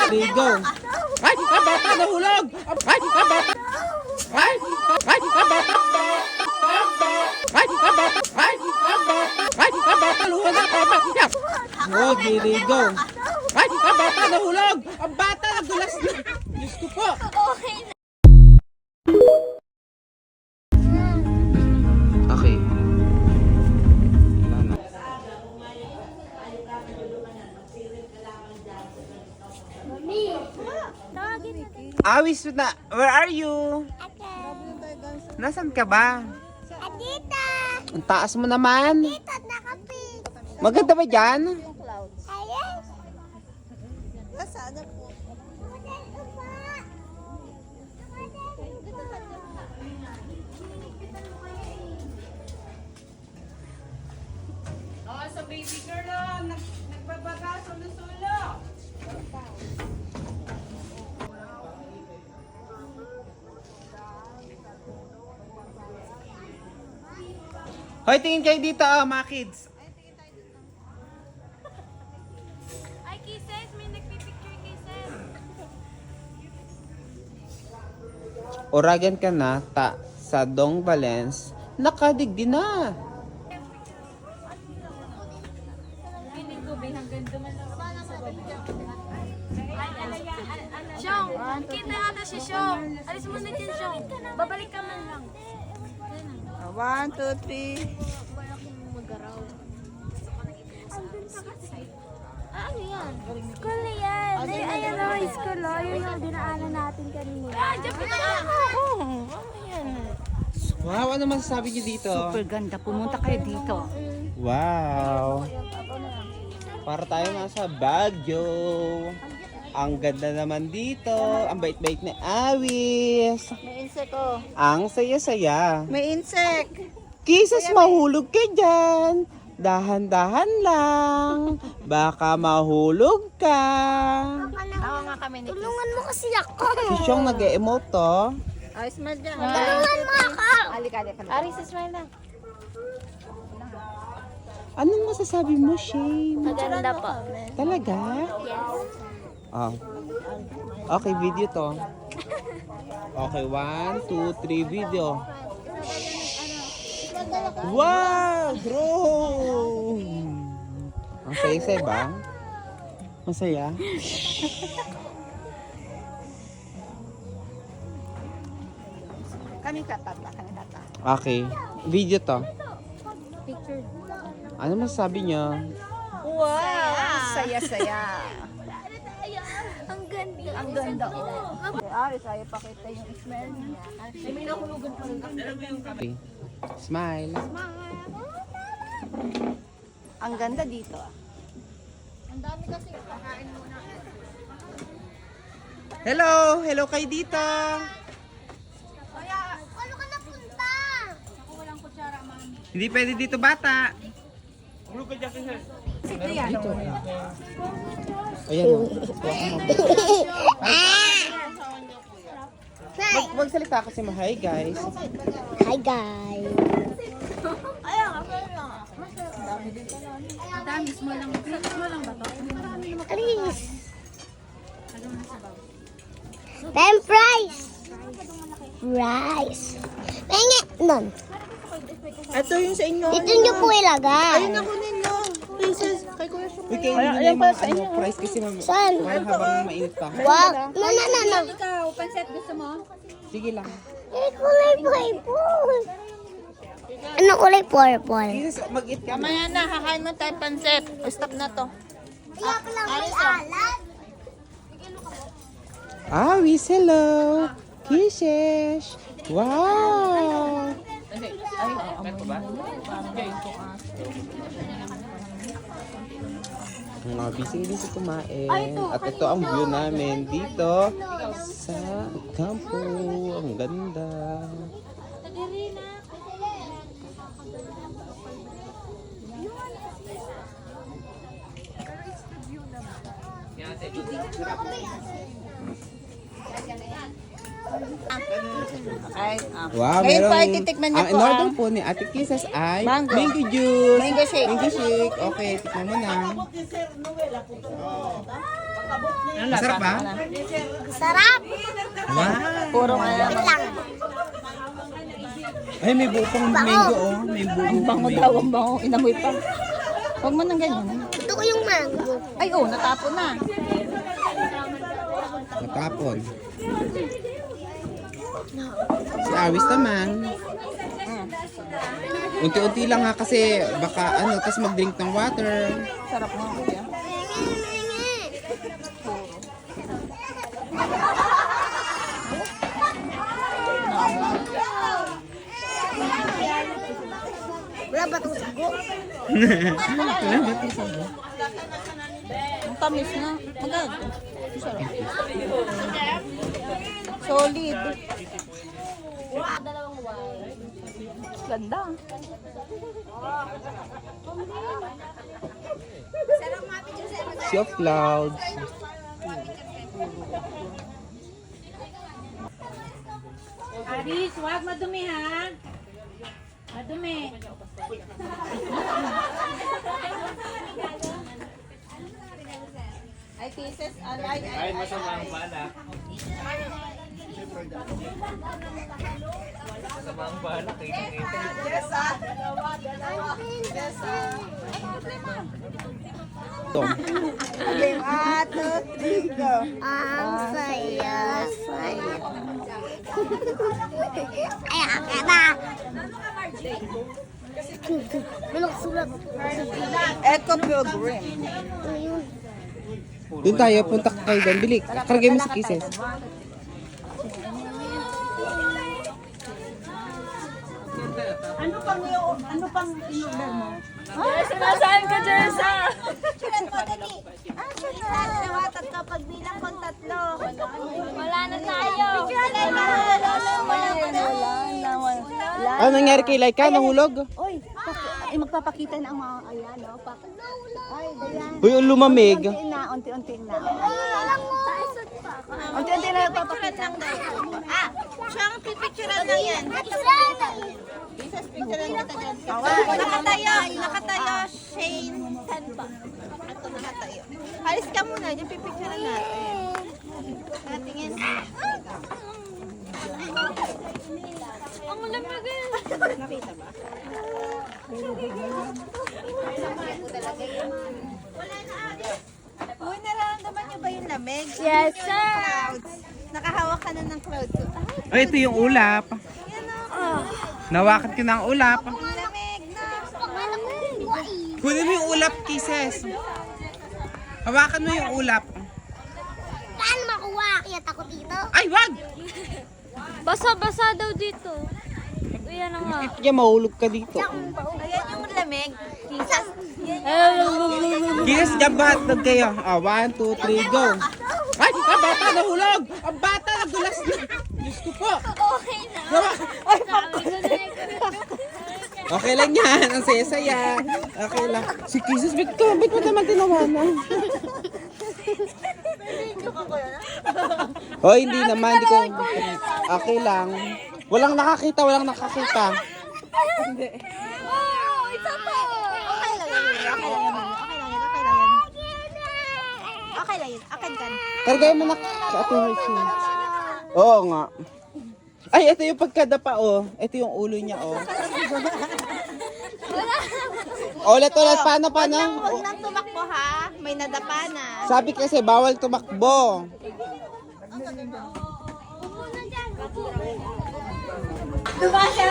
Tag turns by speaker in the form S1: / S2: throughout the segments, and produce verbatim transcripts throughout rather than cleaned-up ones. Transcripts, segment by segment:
S1: Ligo. Ay, ang bata nahulog. Ay, ang bata. Ay, ay, ang bata. Ay, ang bata. Ay, ang bata. Ay, ang bata luha na tama. Oh, giligo. Ay, ang bata nahulog. Ang bata nagulas na. Diyos ko po.
S2: Okay na.
S1: Okay. Wala na.
S2: Tawagin na.
S1: Awis na. Where are you? Nasaan ka ba?
S2: Adita!
S1: Ang taas mo naman.
S2: Dito, nakapit.
S1: Maganda ba dyan?
S2: Ayan.
S3: Nasaan po?
S4: Oh, sa baby girl, oh, nag nagbabaga, sulo-sulo.
S1: Hoy, tingin kayo dito, oh, mga kids.
S2: Ay, kisses. May nagpipicture kisses.
S1: Oragan ka na, ta, sa Dong Valens, nakadigdi na.
S2: Shong, kita nga na si Shong. Alis mo na dyan, Shong. Babalik ka man lang.
S3: One, two, three.
S2: Ah, ano yan? School na yan. Ay, ayan na yung school, oh. Yun yung dinaanan natin kanina. Ah, dyan ka na. Oo, ano yan?
S1: Wow, ano masasabi niyo dito?
S4: Super ganda. Pumunta kayo dito.
S1: Wow. Para tayo nasa Baguio. Ang ganda naman dito. Ang bait-bait na awis.
S3: May insect oh.
S1: Ang saya-saya.
S3: May insect.
S1: Kisas mahulog ka dyan. Dahan-dahan lang. Baka mahulog ka.
S3: Tawa nga kami ni
S2: Tulungan mo kasi ako.
S1: Si Siyong nag-emote to.
S3: Ay, smile dyan.
S2: Tulungan mo ako.
S3: Alika, alika.
S2: Ari, sa smile lang.
S1: Anong masasabi mo, Shane?
S2: Maganda po.
S1: Talaga?
S2: Yes.
S1: Ah. Okay, video to. Okay, one, two, three, video. Wow! Bro! Ang saya-saya ba? Masaya?
S3: Kami tatata, kami tata.
S1: Okay, video to.
S2: Picture.
S1: Ano masasabi niyo?
S3: Wow! Saya-saya.
S2: Ang ganda.
S3: Ang ganda oh. Aris, ayaw pakita yung smell niya. Ay, may nahulugan pa rin.
S1: Okay. Smile.
S3: Ang ganda dito ah.
S1: Hello! Hello kayo dito!
S2: Ano ka napunta?
S1: Hindi pwede dito, bata!
S3: Dito.
S1: Ayan o. Mag magsalita kasi ma. Hi guys.
S2: Hi, guys. Alis. Time price. Price. Pengen nun.
S3: Ito yung sa inyo.
S2: Dito nyo po ilagay.
S3: Ayun ako ninyo. Pieces. Kay Kuya Shong.
S1: Uy, kayo hindi na yung mga ano, price kasi mam
S2: Saan?
S1: mahal habang mainit pa.
S2: Wag. No, no, no, no.
S4: Ikaw, panset gusto mo?
S1: Sige lang.
S2: Eh, kulay purple. Ano kulay purple?
S1: Jesus, mag-eat ka.
S3: Mamaya na, kakain mo tayo pansit. Stop na to.
S2: Kaya pala may alat.
S1: Ah, we hello. Kisses. Wow. Mga busy-busy kumain. At ito ang view namin dito sa kampo. Ang ganda.
S3: Ay, ah.
S1: Wow,
S3: Ngayon
S1: merong...
S3: po ay titikman niyo
S1: ang
S3: po
S1: in-order
S3: ah.
S1: po ni Ate Kisses ay
S3: Mango.
S1: mango juice.
S3: Mango shake.
S1: Mango shake. Okay, tikman mo na. Masarap ba?
S2: Sarap!
S1: Wow.
S3: Puro nga
S2: Wait lang.
S1: Ay, may buo pang mango, oh. May buo
S3: Ang
S1: pang
S3: bango
S1: mango.
S3: daw, ang bango. Inamoy pa. Huwag mo nang ganyan.
S2: Ito ko yung mango.
S3: Ay, oh, natapon na.
S1: Matapon. Si Awis naman. Unti-unti lang ha kasi baka ano, tapos mag-drink ng water.
S3: Sarap nga. Kuya.
S2: Wala ba itong sago?
S3: Ang tamis na. Agad. Sarap. Solid. Ganda.
S1: Sea of clouds.
S4: Aris, huwag madumi ha. Madumi.
S3: Ay, pieces. Ay, ay, ay.
S1: Tom.
S3: Game at three, go.
S2: Ang saya, saya. Ay, akit na. Ano sulat?
S3: Eco Pilgrim.
S1: Doon tayo, punta ka kayo doon. Bili, karagay mo si Kisses.
S3: Ano pang yung, ano pang in-order mo?
S2: Ay, sinasahan ka, Jessa! Sulat mo, dali. Ah, sulat.
S3: Nawatat ka pag bilang kong tatlo.
S2: Wala na tayo. Wala na. Wala na. Wala na.
S3: Wala.
S1: Ano nangyari kay Laika? Nahulog?
S3: Oy, ay magpapakita na ang mga ayan, no? Pak ay, ayan.
S1: Uy, ang lumamig.
S3: Unti na, unti-unti na.
S2: Wala mo.
S3: Unti-unti na magpapakita. Ah, siyang pipicturean lang yan. Isas picturean kita dyan. Nakatayo, nakatayo, Shane. Saan ba? Ito nakatayo. Halis ka muna, dyan pipicturean natin. Natingin.
S2: Ang lamig.
S3: Nakita ba? Uy, nararamdaman niyo ba yung lamig?
S2: Yes,
S3: Yung
S2: sir.
S3: clouds. Nakahawak ka na ng clouds. Ay,
S1: Ay, ito yung ulap.
S3: yan o.
S1: Nawakan ko ng ulap.
S3: Ang lamig na.
S1: Kunin mo yung ulap, Kisses. Hawakan mo yung ulap.
S2: Paano makuha? Kaya ako dito.
S1: Ay, wag!
S2: Basa-basa daw dito. Yan na nga.
S1: Kaya mahulog ka dito.
S3: Ayan yung lamig. Kisas.
S1: Kisses, jabat. kayo. Ah, one, two, three, go. Ay, ang bata nahulog! Ang bata nagulas na. Diyos ko po.
S2: Okay na.
S1: Gawa.
S2: Ay, sabi ko na
S1: Okay lang yan. Ang saya-saya. Okay lang. Si Kisses, bit ko. Bit mo naman tinawanan. Hoy, hindi naman. Hindi ko. Okay lang. Walang nakakita, walang nakakita.
S2: Oh, isa pa.
S3: Okay lang yan. Okay lang yan. Okay lang yan. Okay lang yan. Okay lang yan. Akin ka na.
S1: Kargay mo na sa ating Hershey. Oo nga. Ay, ito yung pagkadapa, oh. Ito yung ulo niya, oh. Ulit, ulit. Paano, paano?
S3: Huwag nang tumakbo ha. May nadapa na.
S1: Sabi kasi, bawal tumakbo.
S2: Diba siya?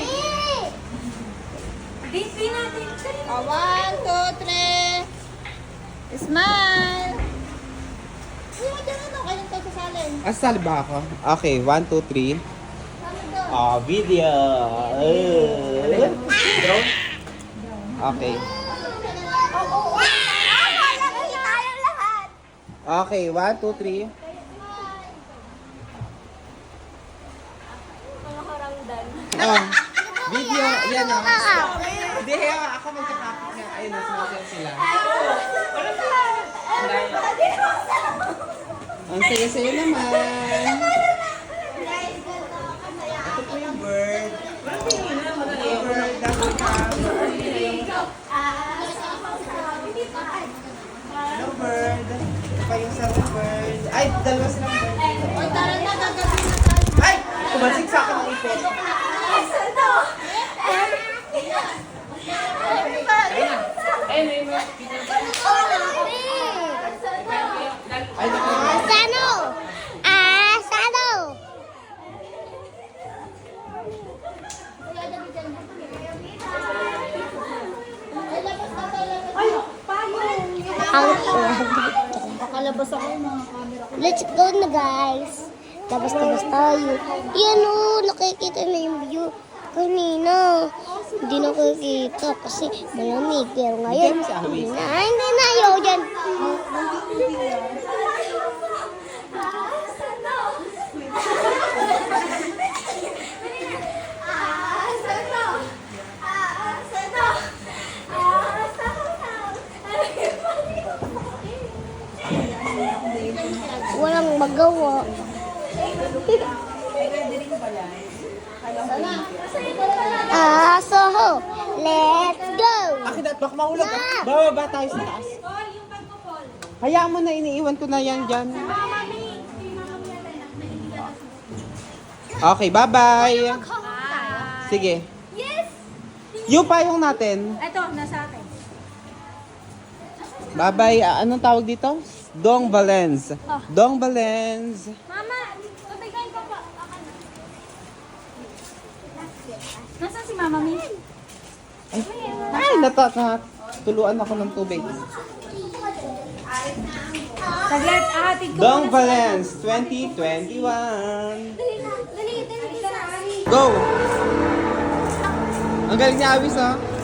S2: Disney natin.
S3: Oh, one, two, three. Smile. Sino dyan ano? Kayong tayo sasalin.
S1: Asal ba ako? Okay, one, two, three. Ah, video. Eh. Okay. Okay, one, two, three. Ah, video. Yan o. Hindi, ako magkakapit nga. Ayun, nasa sila. Ang saya-saya naman. Ito po yung bird. Yung bird. Hello, bird. pa yung surfers. Ay, dalawa silang bird.
S3: Oy, tara na, gagawin na tayo.
S1: Ay! Kumansig sa akin ng ipit. Ay, naku.
S2: Asano? Asano?
S3: Pakalabas ako yung mga camera ko.
S2: Let's go na guys. Labas-labas tayo. Yan o, nakikita na yung view. Kanina, hindi nakikita kasi malamig. Pero ngayon,
S1: Hindi, si Awis.
S2: na, hindi na ayaw dyan. Walang magawa. Ah, so let's go.
S1: Akin at baka mahulog. Bababa tayo sa taas. Hayaan mo na, iniiwan ko na yan dyan. Okay, bye-bye. Sige.
S2: Yes!
S1: Yung payong natin.
S3: Ito, nasa akin.
S1: Bye-bye. Ah, anong tawag dito? Dong Valens. Dong Valens.
S2: Mama, tubigan ko pa.
S3: Nasaan si Mama Mi?
S1: Ay, ay nata, nata, tuluan ako ng tubig.
S3: Saglit, ahatid ko.
S1: Dong Valens twenty twenty-one.
S2: Dali, dali, dali.
S1: Go! Ang galing ni Awis, ha?